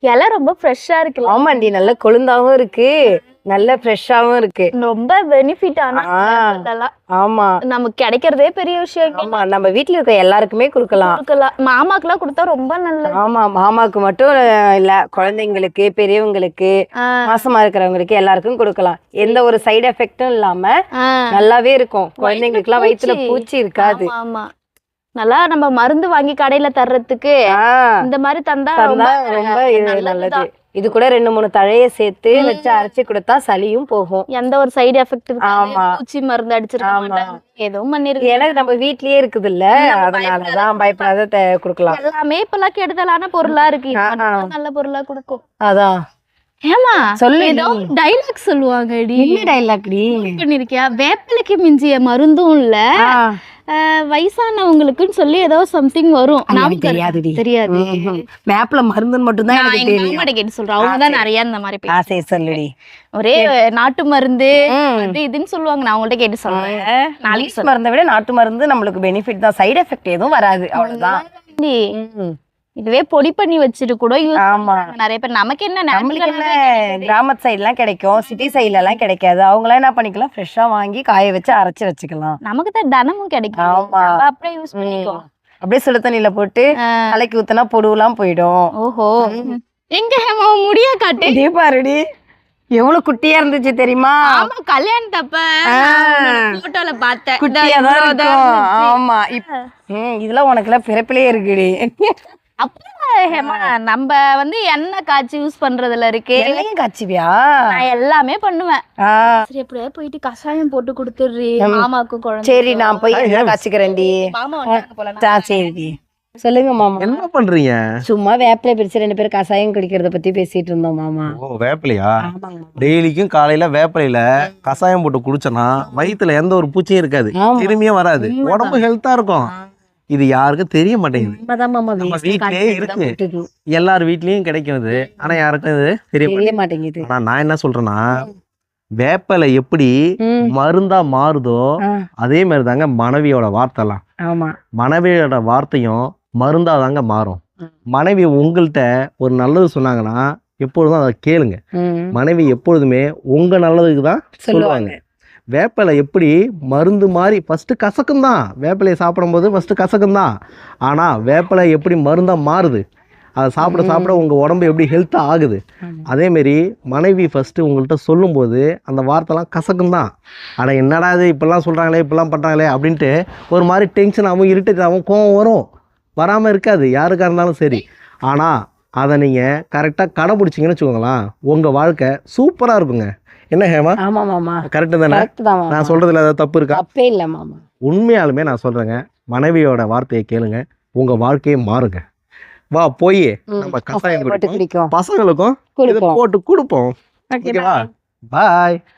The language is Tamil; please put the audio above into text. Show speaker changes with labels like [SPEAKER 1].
[SPEAKER 1] இலை ரொம்ப ஃப்ரெஷ்ஷா இருக்கு.
[SPEAKER 2] ஆமாண்டி, நல்ல கொழுந்தாவும் இருக்கு, நல்ல ஃப்ரெஷ்ஷாவும் இருக்கு.
[SPEAKER 1] ரொம்ப பெனிஃபிட். ஆனா
[SPEAKER 2] ஆமா,
[SPEAKER 1] நமக்கு கிடைக்கிறதே பெரிய விஷயம்.
[SPEAKER 2] ஆமா, நம்ம வீட்டுல இருக்க எல்லாருக்குமே கொடுக்கலாம்.
[SPEAKER 1] மாமாக்கு எல்லாம் கொடுத்தா ரொம்ப நல்லது.
[SPEAKER 2] ஆமா, மாமாக்கு மட்டும் இல்ல, குழந்தைங்களுக்கு, பெரியவங்களுக்கு, மாசமா இருக்கிறவங்களுக்கு எல்லாருக்கும் கொடுக்கலாம். எந்த ஒரு சைடு எஃபெக்டும் இல்லாம நல்லாவே இருக்கும். குழந்தைங்களுக்கு எல்லாம் வயிற்றுல பூச்சி இருக்காது.
[SPEAKER 1] ஆமா, நல்லா நம்ம மருந்து வாங்கி கடையில தர்றதுக்கு இந்த மாதிரி தந்தா ரொம்ப
[SPEAKER 2] நல்லது. இது கூட 2-3 தழையை சேர்த்து வச்சு அரைச்சி கொடுத்தா சளியும் போகும்.
[SPEAKER 1] எந்த ஒரு சைடு எஃபெக்ட் இருக்காது. பூச்சி மருந்து அடிச்சிருக்காங்க, எதுவும் பண்ணிருக்கு.
[SPEAKER 2] எனக்கு நம்ம வீட்லயே இருக்குது இல்ல, அதனாலதான் பயப்படாத கொடுக்கலாம்.
[SPEAKER 1] எல்லாமே இப்பெல்லாம் கெடுதலான பொருளா இருக்கு, நல்ல பொருளா கொடுக்கும்.
[SPEAKER 2] அதான்.
[SPEAKER 1] ஏமா சொல்லு, ஏதோ டைலாக் சொல்லுவாங்க.
[SPEAKER 2] என்ன டைலாக்
[SPEAKER 1] பண்ணிருக்கியா? வேப்பிலைக்கு மிஞ்சிய மருந்தும் இல்ல, வயசானவங்களுக்குன்னு சொல்லி ஏதோ சம்திங் வரும். தெரியாது.
[SPEAKER 2] வேப்பில மருந்துன்னு மட்டும் தான் எனக்கு தெரியும்.
[SPEAKER 1] கேட்டு சொல்றேன், அவங்கதான் நிறைய இந்த மாதிரி
[SPEAKER 2] சொல்லுடி.
[SPEAKER 1] ஒரே நாட்டு மருந்து இதுன்னு சொல்லுவாங்க. நான் உங்கள்ட்ட கேட்டு சொல்றேன்.
[SPEAKER 2] நாளைக்கு மருந்தை விட நாட்டு மருந்து நம்மளுக்கு பெனிஃபிட் தான், சைடு எஃபெக்ட் எதுவும் வராது, அவ்வளவுதான்.
[SPEAKER 1] இதுவே பொடி பண்ணி வச்சுட்டு கூட நிறைய பேர். நமக்கு என்ன,
[SPEAKER 2] கிராமத்து சைடு எல்லாம் கிடைக்கும், சிட்டி சைட்ல எல்லாம் கிடைக்காது. அவங்க எல்லாம் என்ன பண்ணிக்கலாம், ஃப்ரெஷ்ஷா வாங்கி காய வச்சு அரைச்சு வச்சுக்கலாம்.
[SPEAKER 1] நமக்கு தான் தினமும் கிடைக்கும். அப்படியே யூஸ் பண்ணிக்கோ.
[SPEAKER 2] அப்படியே சுடு தண்ணியில போட்டு தலைக்கு ஊத்தினா பொடுவெல்லாம் போயிடும்.
[SPEAKER 1] ஓஹோ, எங்க முடிய காட்டு
[SPEAKER 2] பாருடி, எவ்வளவு குட்டியா இருந்துச்சு தெரியுமா?
[SPEAKER 1] கல்யாணத்தப்ப போட்டோல பார்த்தேன்,
[SPEAKER 2] குட்டியாதான் இருக்கும். ஆமா, இதெல்லாம் உனக்கு எல்லாம் பிறப்பிலே இருக்குடி.
[SPEAKER 1] நம்ம வந்து எண்ணெய் காய்ச்சி யூஸ் பண்றதுல இருக்கு.
[SPEAKER 2] எண்ணெயும் காய்ச்சுவியா?
[SPEAKER 1] நான் எல்லாமே பண்ணுவேன். சரி, எப்படியா போயிட்டு கஷாயம் போட்டு கொடுத்துடுறீ மாமாக்கு குழந்தை.
[SPEAKER 2] சரி, நான் போய் காய்ச்சிக்கிறேன்டி. சரி, சொல்லுங்க மாமா.
[SPEAKER 3] என்ன பண்றீங்க?
[SPEAKER 2] சும்மா வேப்பிலை பிரிச்சு 2 பேரும் கஷாயம் குடிக்கிறத பத்தி பேசிட்டு இருந்தோம் மாமா.
[SPEAKER 3] ஓ, வேப்பிலையா? டெய்லிக்கும் காலையில வேப்பிலையில கஷாயம் போட்டு குடிச்சனா வயிற்றுல எந்த ஒரு பூச்சியும் இருக்காது, திரும்பியும் வராது, உடம்பு ஹெல்த்தா இருக்கும். இது யாருக்கும் தெரிய மாட்டேங்குது. நம்ம வீட்லயே இருக்கு, எல்லார் வீட்லயும் கிடைக்கும் இது. ஆனா யாருக்கும் இது தெரிய மாட்டேங்குது. ஆனா நான் என்ன சொல்றேன்னா, வேப்பலை எப்படி மருந்தா மாறுதோ அதே மாதிரி தாங்க மனைவியோட வார்த்தைலாம். மனைவியோட வார்த்தையும் மருந்தா தாங்க மாறும். மனைவி உங்கள்கிட்ட ஒரு நல்லது சொன்னாங்கன்னா எப்பொழுதும் அதை கேளுங்க. மனைவி எப்பொழுதுமே உங்க நல்லதுக்கு தான் சொல்லுவாங்க. வேப்பிலை எப்படி மருந்து மாதிரி ஃபஸ்ட்டு கசக்கும் தான், வேப்பிலையை சாப்பிடும்போது ஃபஸ்ட்டு கசக்கும் தான். ஆனால் வேப்பிலை எப்படி மருந்தாக மாறுது, அதை சாப்பிட சாப்பிட உங்கள் உடம்பு எப்படி ஹெல்த்தாக ஆகுது. அதேமாரி மனைவி ஃபஸ்ட்டு உங்கள்கிட்ட சொல்லும்போது அந்த வார்த்தைலாம் கசக்கும் தான். ஆனால் என்னடா இது இப்படிலாம் சொல்கிறாங்களே, இப்படிலாம் பண்ணுறாங்களே அப்படின்ட்டு ஒரு மாதிரி டென்ஷனாகவும் இரிட்டேட்டாகவும் கோவம் வரும், வராமல் இருக்காது யாருக்காக இருந்தாலும் சரி. ஆனால் அதை நீங்கள் கரெக்டாக கடைப்பிடிச்சிங்கன்னு வச்சுக்கோங்களேன், உங்கள் வாழ்க்கை சூப்பராக இருக்குங்க. என்ன ஹேமா?
[SPEAKER 2] ஆமா மாமா,
[SPEAKER 3] கரெக்ட் தானே? நான் சொல்றதுல ஏதாவது தப்பு இருக்கா?
[SPEAKER 2] தப்பே இல்ல மாமா.
[SPEAKER 3] உண்மையாலுமே நான் சொல்றேங்க, மனைவியோட வார்த்தையை கேளுங்க, உங்க வாழ்க்கையை மாறுங்க. வா போய் நம்ம கஷாயம் குடிப்போம், பசங்களுக்கும் போட்டு கொடுப்போம். ஓகேவா? பாய்.